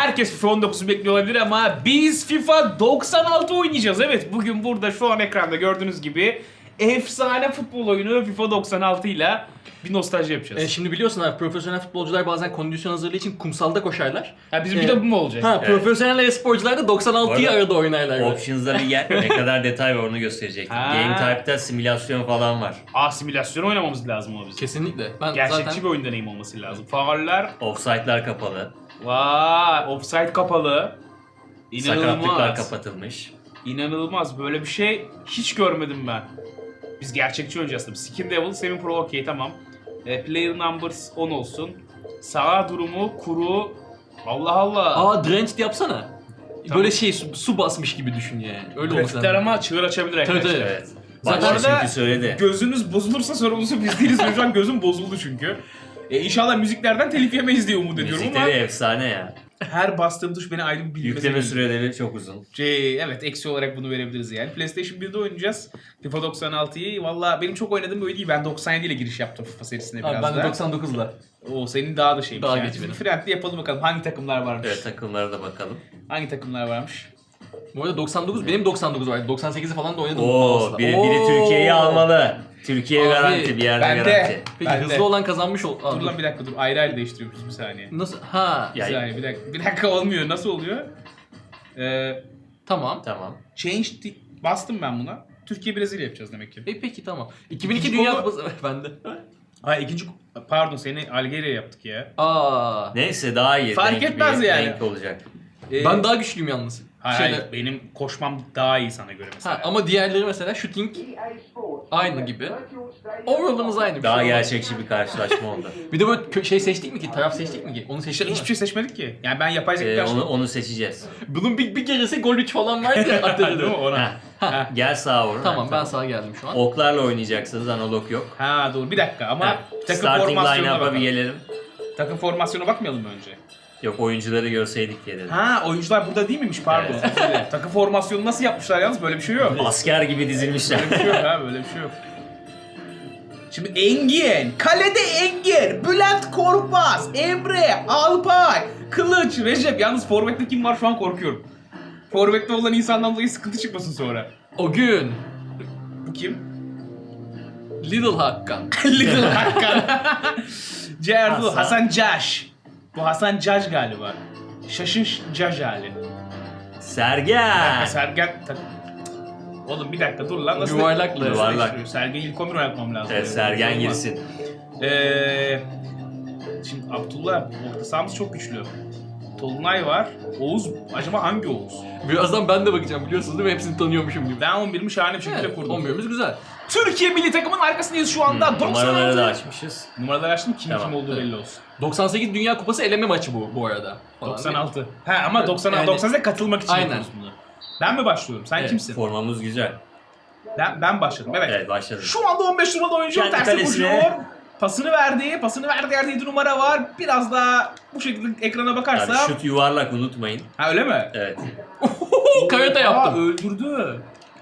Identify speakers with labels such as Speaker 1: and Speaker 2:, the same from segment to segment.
Speaker 1: herkes FIFA 19'u bekliyor olabilir ama biz FIFA 96 oynayacağız. Evet, bugün burada şu an ekranda gördüğünüz gibi efsane futbol oyunu FIFA 96 ile bir nostalji yapacağız.
Speaker 2: Şimdi biliyorsun abi, profesyonel futbolcular bazen kondisyon hazırlığı için kumsalda koşarlar.
Speaker 1: Ha, bizim bir de bu mu olacak?
Speaker 2: Ha, profesyonel e-sporcular da 96'yı
Speaker 3: Orada
Speaker 2: arada oynarlar. böyle.
Speaker 3: Options'da bir yer ne kadar detay var onu gösterecek.
Speaker 1: Ha.
Speaker 3: Game Type'da simülasyon falan var.
Speaker 1: Simülasyon oynamamız lazım o bizim.
Speaker 2: Kesinlikle. Ben
Speaker 1: Gerçekçi
Speaker 2: zaten
Speaker 1: bir oyun deneyimi olması lazım. Fauller,
Speaker 3: Offside'lar kapalı.
Speaker 1: vay, offside kapalı.
Speaker 3: Sakatlıklar
Speaker 1: İnanılmaz.
Speaker 3: kapatılmış.
Speaker 1: İnanılmaz. Böyle bir şey hiç görmedim ben. Biz gerçekçi oynayacağız tabii. Skin Devil, Semi Pro okey tamam. Player Numbers 10 olsun. Sağ durumu, kuru. Allah Allah.
Speaker 2: Drenched yapsana.
Speaker 1: Tamam.
Speaker 2: Böyle su basmış gibi düşün yani. Öyle olması
Speaker 1: Grafikler
Speaker 2: lazım.
Speaker 1: ama çığır açabilir
Speaker 2: Tabii,
Speaker 1: arkadaşlar.
Speaker 2: tabii.
Speaker 3: Evet.
Speaker 1: Zaten
Speaker 3: Başta
Speaker 1: orada
Speaker 3: çünkü söyledi.
Speaker 1: gözünüz bozulursa sorumlusu biz değiliz. Şu an gözüm bozuldu çünkü. İnşallah müziklerden telif yemeyiz diye umut ediyorum ama
Speaker 3: Müzikleri efsane ya.
Speaker 1: her bastığım tuş beni ayrı bir bilmeze
Speaker 3: Yükleme
Speaker 1: gönderiyor.
Speaker 3: süreleri çok uzun.
Speaker 1: Evet, eksi olarak bunu verebiliriz yani. PlayStation 1'de oynayacağız. FIFA 96'yı. Valla benim çok oynadığım bir oyun değil. Ben 97 ile giriş yaptım FIFA serisine
Speaker 2: Abi
Speaker 1: biraz
Speaker 2: ben de
Speaker 1: da.
Speaker 2: 99'la.
Speaker 1: O senin daha da şeymiş
Speaker 2: Daha
Speaker 1: yani.
Speaker 2: geç
Speaker 1: Şimdi
Speaker 2: benim.
Speaker 1: friendly yapalım bakalım hangi takımlar varmış.
Speaker 3: Evet, takımlara da bakalım.
Speaker 1: Hangi takımlar varmış?
Speaker 2: Bu arada 99, benim 99 vardı. 98'i falan da oynadım.
Speaker 3: Oo,
Speaker 2: aslında.
Speaker 3: biri
Speaker 2: Oo.
Speaker 3: Türkiye'yi almalı. Türkiye
Speaker 2: Abi,
Speaker 3: garanti, bir yerde
Speaker 1: bende.
Speaker 3: garanti.
Speaker 2: Peki
Speaker 1: Ben de.
Speaker 2: hızlı olan kazanmış ol.
Speaker 1: Dur lan bir dakika dur. Ayrı ayrı değiştiriyoruz bir saniye.
Speaker 2: Nasıl? Ha.
Speaker 3: Ya-
Speaker 1: Bir saniye bir dakika olmuyor. Nasıl oluyor?
Speaker 2: Tamam.
Speaker 3: Tamam.
Speaker 1: Bastım ben buna. Türkiye Brezilya yapacağız demek ki.
Speaker 2: Peki tamam. 2002
Speaker 1: İkinci
Speaker 2: Dünya
Speaker 1: konu-
Speaker 2: Kupası bende.
Speaker 1: Pardon seni Algeria yaptık ya.
Speaker 3: Neyse daha iyi.
Speaker 1: Fark
Speaker 3: Denk
Speaker 1: etmez
Speaker 3: bir
Speaker 1: yani.
Speaker 3: Renk olacak.
Speaker 2: Ben daha güçlüyüm yalnız.
Speaker 1: Hayır,
Speaker 2: Şeyde-
Speaker 1: benim koşmam daha iyi sana göre mesela.
Speaker 2: ama diğerleri mesela shooting aynı gibi. Overall'ımız aynı. bir
Speaker 3: Daha
Speaker 2: şey olmaz.
Speaker 3: gerçekçi bir karşılaşma oldu.
Speaker 2: Bir de böyle seçtik mi ki? Taraf seçtik mi ki? Onu
Speaker 1: İşte
Speaker 2: seçtik mi?
Speaker 1: hiçbir şey seçmedik ki. Yani ben yapay zeka
Speaker 3: Onu seçeceğiz.
Speaker 2: Bunun bir keresi gol 3 falan vardı ya.
Speaker 1: Değil mi?
Speaker 2: Atölye'de.
Speaker 1: Ona.
Speaker 3: Heh. Gel sağa vur.
Speaker 2: Tamam
Speaker 3: Ha,
Speaker 2: ben sağa geldim şu an.
Speaker 3: Oklarla oynayacaksınız, analog yok.
Speaker 1: Ha doğru bir dakika ama
Speaker 3: Ha,
Speaker 1: takım
Speaker 3: starting
Speaker 1: formasyonuna
Speaker 3: line-up'a bir
Speaker 1: bakalım.
Speaker 3: gelelim.
Speaker 1: Takım formasyona bakmayalım mı önce?
Speaker 3: Yok, oyuncuları görseydik diye dedim.
Speaker 1: Ha oyuncular burada değil miymiş pardon.
Speaker 3: Evet.
Speaker 1: Özür dilerim. Takım formasyonu nasıl yapmışlar yalnız böyle bir şey yok.
Speaker 3: Asker gibi dizilmişler.
Speaker 1: Böyle bir şey yok ha böyle bir şey yok. Şimdi Engin, kalede Engin, Bülent Korkmaz, Emre, Alpay, Kılıç, Recep. Yalnız forvette kim var şu an korkuyorum. Forvette olan insandan dolayı sıkıntı çıkmasın sonra.
Speaker 2: O gün
Speaker 1: Bu kim?
Speaker 2: Little Hakan.
Speaker 1: Little Hakan. Cerdu,
Speaker 3: Hasan.
Speaker 1: Hasan Caş. Bu Hasan Caş galiba. Şaşın Caş hali.
Speaker 3: Sergen.
Speaker 1: Sergen... Oğlum bir dakika dur lan. Nasıl
Speaker 2: Yuvarlakla.
Speaker 3: Yuvarlak.
Speaker 1: Sergen ilk 11 oynatmam lazım.
Speaker 3: Evet, Sergen girsin.
Speaker 1: Şimdi Abdullah, orta sahamız çok güçlü. Tolunay var. Oğuz, acaba hangi Oğuz?
Speaker 2: Birazdan ben de bakacağım, biliyorsunuz değil mi? Hepsini tanıyormuşum gibi.
Speaker 1: Ben 11'imi şahane bir şekilde
Speaker 2: Evet,
Speaker 1: kurdum.
Speaker 2: 11'imiz güzel.
Speaker 1: Türkiye milli takımın arkasındayız şu anda.
Speaker 3: Numaraları
Speaker 1: 96.
Speaker 3: da açmışız.
Speaker 1: Numaraları açtım, kim
Speaker 3: Tamam,
Speaker 1: kim olduğu
Speaker 2: evet.
Speaker 1: belli olsun.
Speaker 2: 98 Dünya Kupası eleme maçı bu arada. Falan,
Speaker 1: 96. Ha ama
Speaker 2: Evet,
Speaker 1: 96,
Speaker 2: yani-
Speaker 1: 98'e katılmak için
Speaker 2: Aynen.
Speaker 1: yapıyoruz bunu. Ben mi başlıyorum? Sen
Speaker 2: Evet.
Speaker 1: kimsin?
Speaker 3: Formamız güzel.
Speaker 1: Ben başladım, evet.
Speaker 3: Evet, başladık.
Speaker 1: Şu anda 15 numaralı oyuncu
Speaker 3: Kendi
Speaker 1: terse
Speaker 3: kalesine.
Speaker 1: koşuyor. Pasını verdi yerde 7 numara var. Biraz daha bu şekilde ekrana
Speaker 3: Yani
Speaker 1: bakarsam.
Speaker 3: şut yuvarlak, unutmayın.
Speaker 1: Ha öyle mi?
Speaker 3: Evet.
Speaker 2: Karate yaptım.
Speaker 1: Öldürdü.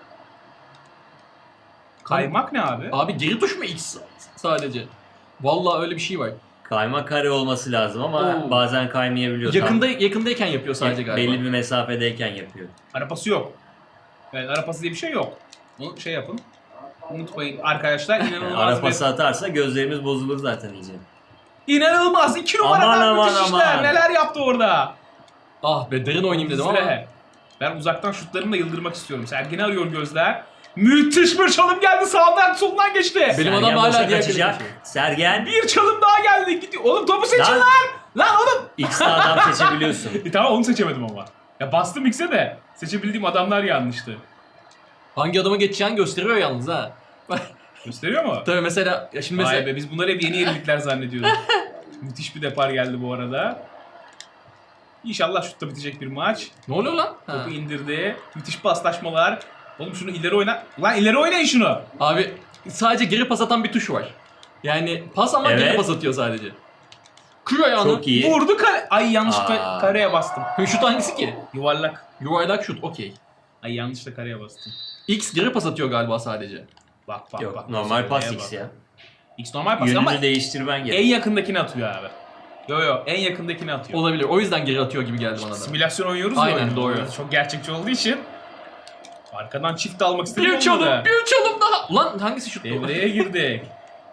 Speaker 1: Kaymak ne abi?
Speaker 2: Abi geri tuş mu X sadece? Vallahi öyle bir şey var.
Speaker 3: Kayma kare olması lazım ama
Speaker 2: Oo.
Speaker 3: bazen kaymayabiliyor.
Speaker 2: Yakındayken yapıyor sadece
Speaker 3: Tam
Speaker 2: galiba.
Speaker 3: belli bir mesafedeyken yapıyor.
Speaker 1: Arapası yok. Evet arapası diye bir şey yok. Bunu şey yapın. Unutmayın arkadaşlar inanılmaz
Speaker 3: Ara pası atarsa gözlerimiz bozulur zaten iyice.
Speaker 1: İnanılmaz 2 numaradan
Speaker 3: Aman,
Speaker 1: müthiş
Speaker 3: aman,
Speaker 1: işler.
Speaker 3: aman.
Speaker 1: Neler yaptı orada?
Speaker 2: Ah be, derin oynayayım dedim ama.
Speaker 1: Bizde. Ben uzaktan şutlarımla yıldırmak istiyorum. Sergen'i arıyor gözler. Müthiş bir çalım geldi sağdan soldan geçti.
Speaker 2: Benim
Speaker 3: Sergen
Speaker 2: adam hala
Speaker 3: boşa
Speaker 2: diğer
Speaker 3: kaçacak.
Speaker 2: kaleye
Speaker 3: Sergen
Speaker 1: Bir çalım daha geldi. Gidiyor. Oğlum topu seçin
Speaker 3: Lan.
Speaker 1: lan. Lan oğlum.
Speaker 3: X'de adam seçebiliyorsun.
Speaker 1: Tamam onu seçemedim ama. Ya bastım X'e de seçebildiğim adamlar yanlıştı.
Speaker 2: Hangi adama geçeceğini gösteriyor yalnız ha.
Speaker 1: Gösteriyor mu?
Speaker 2: Tabii mesela ya şimdi
Speaker 1: Vay
Speaker 2: mesela
Speaker 1: be biz bunları hep yeni yenilikler zannediyorduk. Müthiş bir depar geldi bu arada. İnşallah şutta bitecek bir maç.
Speaker 2: ne oluyor lan? Ha.
Speaker 1: Topu indirdi. Müthiş paslaşmalar. Oğlum şunu ileri oyna. Lan ileri oynayın şunu.
Speaker 2: Abi sadece geri pas atan bir tuş var. Yani pas ama geri
Speaker 3: Evet.
Speaker 2: pas atıyor sadece. Kır ayağını.
Speaker 3: Çok iyi.
Speaker 1: Vurdu kare. Ay yanlışlıkla
Speaker 3: Aa.
Speaker 1: kareye bastım.
Speaker 2: Şut hangisi ki?
Speaker 1: Yuvarlak.
Speaker 2: Yuvarlak şut, okey.
Speaker 1: Ay yanlışlıkla kareye bastım.
Speaker 2: X geri pas atıyor galiba sadece.
Speaker 1: Bak bak
Speaker 3: Yok,
Speaker 1: bak.
Speaker 3: normal pas
Speaker 1: Kareye
Speaker 3: X
Speaker 1: bak.
Speaker 3: ya.
Speaker 1: X normal pas ama
Speaker 3: Yönünü değiştirmen
Speaker 1: en
Speaker 3: gerek.
Speaker 1: yakındakini atıyor abi. Yo en yakındakini atıyor.
Speaker 2: Olabilir. O yüzden geri atıyor gibi geldi bana da.
Speaker 1: Simülasyon oynuyoruz
Speaker 2: Aynen,
Speaker 1: oyunu.
Speaker 2: doğru.
Speaker 1: Çok gerçekçi olduğu için. Arkadan çift almak istedim.
Speaker 2: Bir çalım daha. Ulan hangisi şuttu?
Speaker 1: Devreye girdik.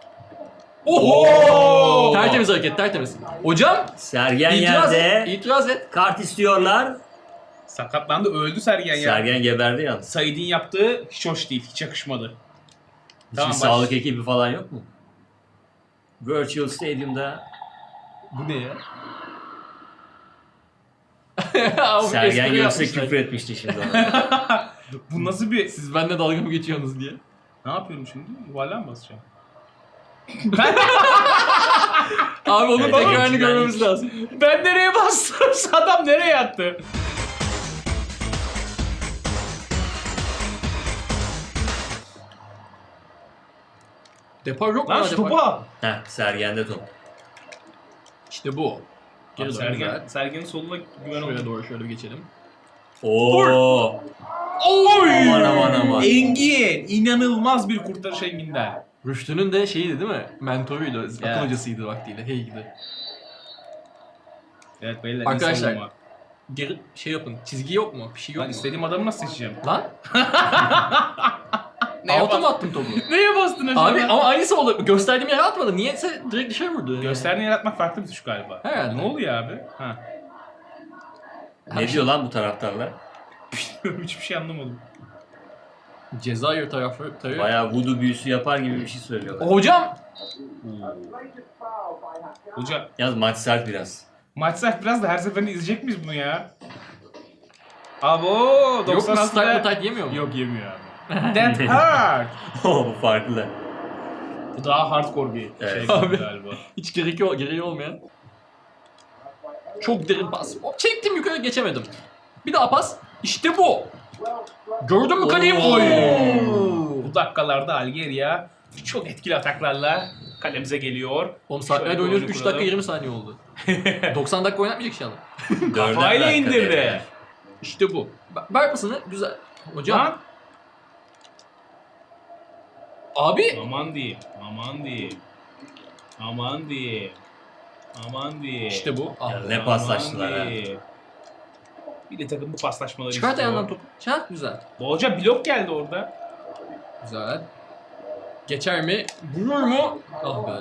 Speaker 2: Oho! Tertemiz hareket, tertemiz. Hocam,
Speaker 3: Sergen
Speaker 2: itiraz
Speaker 3: yerde.
Speaker 2: et, itiraz et.
Speaker 3: Kart istiyorlar.
Speaker 1: Sakatlandı, öldü Sergen ya.
Speaker 3: Sergen geberdi yalnız.
Speaker 1: Said'in yaptığı hiç hoş değil, hiç yakışmadı.
Speaker 3: Hiçbir
Speaker 1: Tamam,
Speaker 3: sağlık ekibi falan yok mu? Virtual Stadium'da
Speaker 2: Bu ne ya? Abi,
Speaker 3: Sergen
Speaker 2: espri
Speaker 3: görse
Speaker 2: yapmışlar.
Speaker 3: küfür etmişti şimdi ona.
Speaker 1: Bu nasıl bir...
Speaker 2: Siz benimle dalga mı geçiyorsunuz diye.
Speaker 1: Ne yapıyorum şimdi? Yuvarlağa mı basacağım?
Speaker 2: Abi onun
Speaker 3: Evet,
Speaker 2: tekrarını
Speaker 3: evet,
Speaker 2: görmemiz
Speaker 1: şey-
Speaker 2: lazım.
Speaker 1: Ben nereye bastım? Adam nereye attı?
Speaker 2: Depar yok mu?
Speaker 1: Lan
Speaker 2: ya,
Speaker 1: şu
Speaker 2: depar?
Speaker 1: topu al.
Speaker 3: Heh, Sergen'de top.
Speaker 2: İşte bu.
Speaker 1: Abi
Speaker 2: Geri
Speaker 1: Sergen'in soluna güven
Speaker 2: Şuraya
Speaker 1: oldu.
Speaker 2: doğru şöyle bir geçelim.
Speaker 3: Oo.
Speaker 2: Oy!
Speaker 3: Aman.
Speaker 1: Engin! İnanılmaz bir kurtarış Engin'den.
Speaker 2: Rüştü'nün de şeyiydi değil mi? Mentoruydu, akıl
Speaker 1: Evet.
Speaker 2: hocasıydı vaktiyle. Hey gidi.
Speaker 1: Evet beyler.
Speaker 2: Arkadaşlar,
Speaker 1: savunma.
Speaker 2: Geri şey yapın. Çizgi yok mu? Bir şey yok
Speaker 1: Ben
Speaker 2: mu?
Speaker 1: istediğim adamı nasıl seçeceğim?
Speaker 2: Lan?
Speaker 1: Neye
Speaker 2: Alta mı
Speaker 1: bastın?
Speaker 2: attın topu?
Speaker 1: Neye bastın acaba?
Speaker 2: Abi ama aynısı oldu. Gösterdiğim yere atmadı. Niyeyse direkt dışarı vurdu.
Speaker 1: Gösterdiğini yaratmak farklı bir tuş galiba.
Speaker 2: Herhalde.
Speaker 1: Ne oluyor abi? Ha.
Speaker 3: Ne diyor lan bu taraftarlar?
Speaker 1: Hiçbir şey anlamadım.
Speaker 2: Cezayir taraftarı.
Speaker 3: Bayağı voodoo büyüsü yapar gibi bir şey söylüyorlar.
Speaker 2: Hocam!
Speaker 1: Hoca
Speaker 3: Yalnız maç sert biraz.
Speaker 1: maç sert biraz da her seferinde izleyecek miyiz bunu ya? Abo
Speaker 2: Yok mu
Speaker 1: 96'da...
Speaker 2: start mı tight yemiyor mu?
Speaker 1: Yok yemiyor abi. That hard.
Speaker 3: Bu farklı.
Speaker 1: Bu daha hardcore bir
Speaker 3: Evet.
Speaker 1: şey
Speaker 2: Abi.
Speaker 1: galiba.
Speaker 2: Hiç gereği olmayan. Çok derin pas. Hop, çektim yukarı geçemedim. Bir daha pas. İşte bu. Gördün mü kaleyi?
Speaker 3: Oo.
Speaker 2: Oy.
Speaker 1: Bu dakikalarda Algeria çok etkili ataklarla kalemize geliyor.
Speaker 2: Oğlum saatlerce
Speaker 1: Şöyle
Speaker 2: oynuyoruz.
Speaker 1: oyunu
Speaker 2: 3 dakika
Speaker 1: kuralım.
Speaker 2: 20 saniye oldu. 90 dakika oynatmayacak inşallah.
Speaker 3: Dörder
Speaker 1: Kafayla
Speaker 3: dakika
Speaker 1: indirdi.
Speaker 3: devre.
Speaker 2: İşte bu. Ver pasını. Güzel. Hocam.
Speaker 1: Lan.
Speaker 2: Abi.
Speaker 1: Aman diyeyim. Aman diyeyim. Aman diyeyim. Aman diyeyim.
Speaker 2: İşte bu. Ah.
Speaker 3: Ya ne paslaştılar ha.
Speaker 1: diyeyim. Bir de takım bu paslaşmaları
Speaker 2: Çıkart
Speaker 1: istiyor.
Speaker 2: ayağından topu. Çak güzel.
Speaker 1: Bu hoca blok geldi orada.
Speaker 2: Güzel. Geçer mi? Vurur mu? Ah be.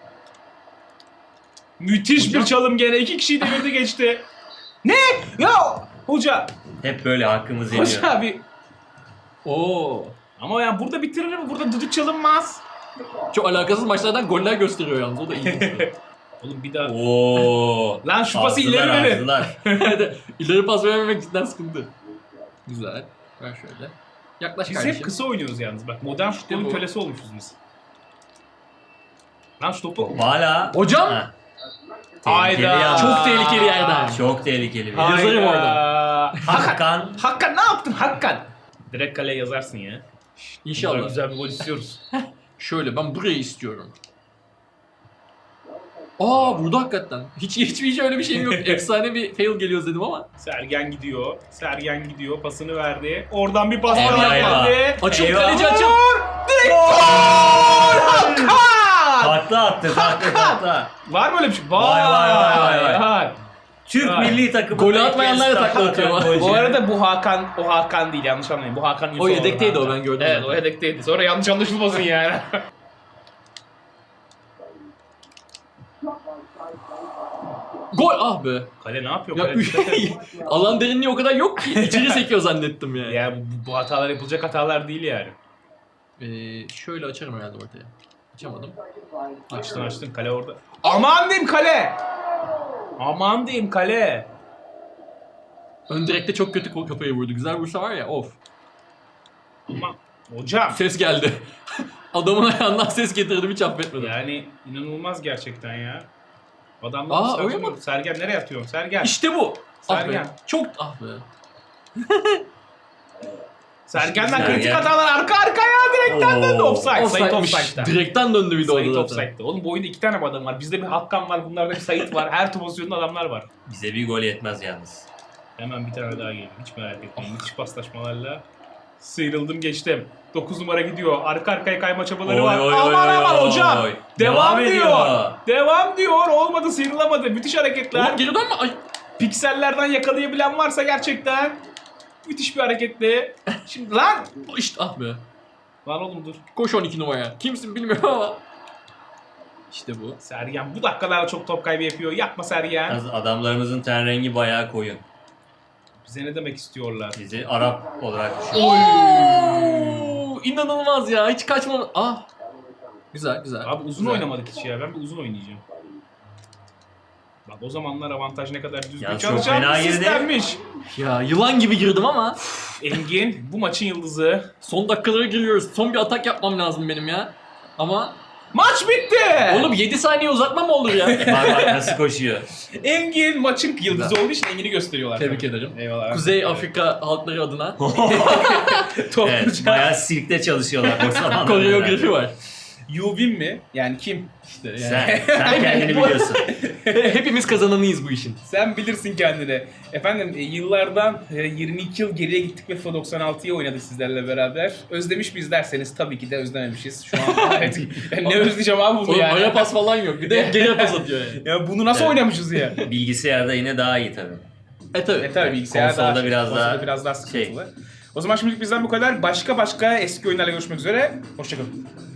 Speaker 1: Müthiş
Speaker 2: Hocam.
Speaker 1: bir çalım gene. 2 kişiyi devirdi geçti. Ne? Ya hoca.
Speaker 3: Hep böyle hakkımız yeniyor.
Speaker 1: Hoca bir.
Speaker 2: Oo.
Speaker 1: Ama yani burada bitirir mi? Burada düdük çalınmaz.
Speaker 2: Çok alakasız maçlardan goller gösteriyor yalnız. O da iyi.
Speaker 1: Oğlum bir daha.
Speaker 3: Oo.
Speaker 1: Lan şu pası
Speaker 3: Azdılar,
Speaker 1: ileri verin.
Speaker 3: azdılar.
Speaker 2: İleri pas vermemek cidden sıkıntı. Güzel. Ver şöyle. Yaklaş
Speaker 1: Biz
Speaker 2: kardeşim.
Speaker 1: hep kısa oynuyoruz yalnız bak. Modern futbolun
Speaker 2: bu.
Speaker 1: kölesi olmuşuz biz. Lan şu topu.
Speaker 3: Hala.
Speaker 2: Hocam.
Speaker 3: Ha.
Speaker 1: Hayda.
Speaker 3: Tehlikeli ya.
Speaker 2: Çok tehlikeli yerden.
Speaker 3: Çok tehlikeli bir.
Speaker 2: Hayır. Yazarım
Speaker 1: Hayda.
Speaker 3: Hakan.
Speaker 1: Hakkan ne yaptın Hakkan? Direkt kaleye yazarsın ya.
Speaker 2: İnşallah.
Speaker 1: Güzel bir gol istiyoruz.
Speaker 2: Şöyle ben burayı istiyorum. Aa vurdu hakikaten. Hiç öyle bir şeyim yok. Efsane bir fail geliyor dedim ama.
Speaker 1: Sergen gidiyor. Sergen gidiyor. Pasını verdi. Oradan bir pas
Speaker 3: Eyvah,
Speaker 1: daha yapmadı.
Speaker 2: Açıl
Speaker 3: Eyvah.
Speaker 2: kaleci açıl.
Speaker 1: Direkt gol! Hakkan!
Speaker 3: Takla attı. Takla.
Speaker 1: Var mı öyle bir şey?
Speaker 3: Vay.
Speaker 1: Var.
Speaker 3: Türk
Speaker 1: Ha.
Speaker 3: milli takımı.
Speaker 2: Golü atmayanlar da takla atıyor.
Speaker 1: Bu arada bu Hakan, o Hakan değil yanlış anlayın. Bu Hakan
Speaker 2: O yedekteydi o, ben gördüm
Speaker 1: Evet
Speaker 2: zaten.
Speaker 1: o yedekteydi. Sonra yanlış anlaşılmasın yani.
Speaker 2: Gol ah be.
Speaker 1: Kale ne yapıyor?
Speaker 2: Ya,
Speaker 1: Kale dikkat et.
Speaker 2: alan derinliği o kadar yok ki. İçeri sekiyor zannettim yani.
Speaker 1: Ya bu hatalar yapılacak hatalar değil yani.
Speaker 2: Şöyle açarım herhalde ortaya. Açamadım.
Speaker 1: Açtın kale orada. Aman diyeyim kale! Aman diyeyim kale!
Speaker 2: Ön direkte çok kötü kafayı vurdu. Güzel vursa var ya of.
Speaker 1: Aman hocam.
Speaker 2: Ses geldi. Adamın ayağından ses getirdim hiç affetmedim.
Speaker 1: Yani inanılmaz gerçekten ya. Adamlar
Speaker 2: Aa,
Speaker 1: nasıl
Speaker 2: öyle
Speaker 1: acımıyor?
Speaker 2: mi?
Speaker 1: Sergen nereye atıyorsun? Sergen.
Speaker 2: İşte bu. Ah be.
Speaker 1: Sergen.
Speaker 2: Çok ah be.
Speaker 1: Sergen'den
Speaker 3: Sergen.
Speaker 1: kritik hatalar arka arkaya direkten döndü. Offside. Sait
Speaker 2: Offside'miş.
Speaker 1: offside'da.
Speaker 2: Direkten döndü bir de
Speaker 1: Sait
Speaker 2: orada zaten.
Speaker 1: offside'da. Oğlum bu oyunda 2 tane adam var. Bizde bir Hakkan var. Bunlarda bir Sait var. Her pozisyonda adamlar var.
Speaker 3: Bize bir gol yetmez yalnız.
Speaker 1: Hemen bir tane daha geliyor. Hiç merak etmeyin. Müthiş paslaşmalarla. Sıyrıldım geçtim. 9 numara gidiyor. Arka arkaya kayma çabaları
Speaker 3: Oy,
Speaker 1: var.
Speaker 3: oy,
Speaker 1: Aman
Speaker 3: oy,
Speaker 1: aman
Speaker 3: oy,
Speaker 1: hocam.
Speaker 3: oy.
Speaker 1: Devam
Speaker 3: Devam
Speaker 1: diyor.
Speaker 3: ediyor.
Speaker 1: Devam diyor. Olmadı, sıyrılamadı. Müthiş hareketler.
Speaker 2: Oğlum geri dönme. Ay.
Speaker 1: Piksellerden yakalayabilen varsa gerçekten müthiş bir hareketli. Şimdi lan.
Speaker 2: İşte ah be.
Speaker 1: Lan oğlum dur.
Speaker 2: Koş 12 numaraya. Kimsin bilmiyorum ama. İşte bu.
Speaker 1: Sergen bu dakikalarda çok top kaybı yapıyor. Yapma Sergen.
Speaker 3: Yalnız adamlarımızın ten rengi bayağı koyun.
Speaker 1: Bize ne demek istiyorlar?
Speaker 3: Bizi Arap olarak düşün.
Speaker 2: Oo, inanılmaz ya. Hiç kaçmam. Ah. Güzel güzel.
Speaker 1: Abi uzun
Speaker 2: Güzel.
Speaker 1: oynamadık hiç ya. Ben bir uzun oynayacağım. Bak o zamanlar avantaj ne kadar düzgün
Speaker 3: Ya çok
Speaker 1: çalışan
Speaker 3: fena
Speaker 1: bir
Speaker 3: girdi.
Speaker 1: sistemmiş.
Speaker 2: Ya yılan gibi girdim ama.
Speaker 1: Engin bu maçın yıldızı.
Speaker 2: Son dakikalara giriyoruz. Son bir atak yapmam lazım benim ya. Ama
Speaker 1: Maç bitti.
Speaker 2: oğlum 7 saniye uzatma mı olur ya?
Speaker 3: Bak nasıl koşuyor.
Speaker 1: Engin maçın yıldızı olduğu için Engin'i gösteriyorlar.
Speaker 2: Tebrik ederim.
Speaker 1: Eyvallah.
Speaker 2: Kuzey Afrika halkları adına
Speaker 1: Top
Speaker 3: Evet, bayağı sirkte çalışıyorlar o zamanlar.
Speaker 2: koreografi var.
Speaker 1: Yuvin mi? Yani kim?
Speaker 2: İşte yani.
Speaker 3: Sen kendini biliyorsun.
Speaker 2: Hepimiz kazananıyız bu işin.
Speaker 1: Sen bilirsin kendini. Efendim yıllardan 22 yıl geriye gittik ve FIFA 96'yı oynadık sizlerle beraber. Özlemiş miyiz derseniz tabii ki de özlememişiz. Şu an evet. Ne özleyeceğim abi bunu
Speaker 2: Oğlum
Speaker 1: yani.
Speaker 2: ara pas falan yok. Bir de geri pas atıyor yani.
Speaker 1: Ya bunu nasıl
Speaker 3: Evet.
Speaker 1: oynamışız ya?
Speaker 3: Bilgisayarda yine daha iyi tabii.
Speaker 2: Tabii.
Speaker 1: Tabii bilgisayar
Speaker 3: Konsolda
Speaker 1: daha,
Speaker 3: biraz
Speaker 1: konsolda
Speaker 3: daha
Speaker 1: biraz daha sıkıntılı. O zaman şimdilik bizden bu kadar. Başka eski oyunlarla görüşmek üzere. Hoşçakalın.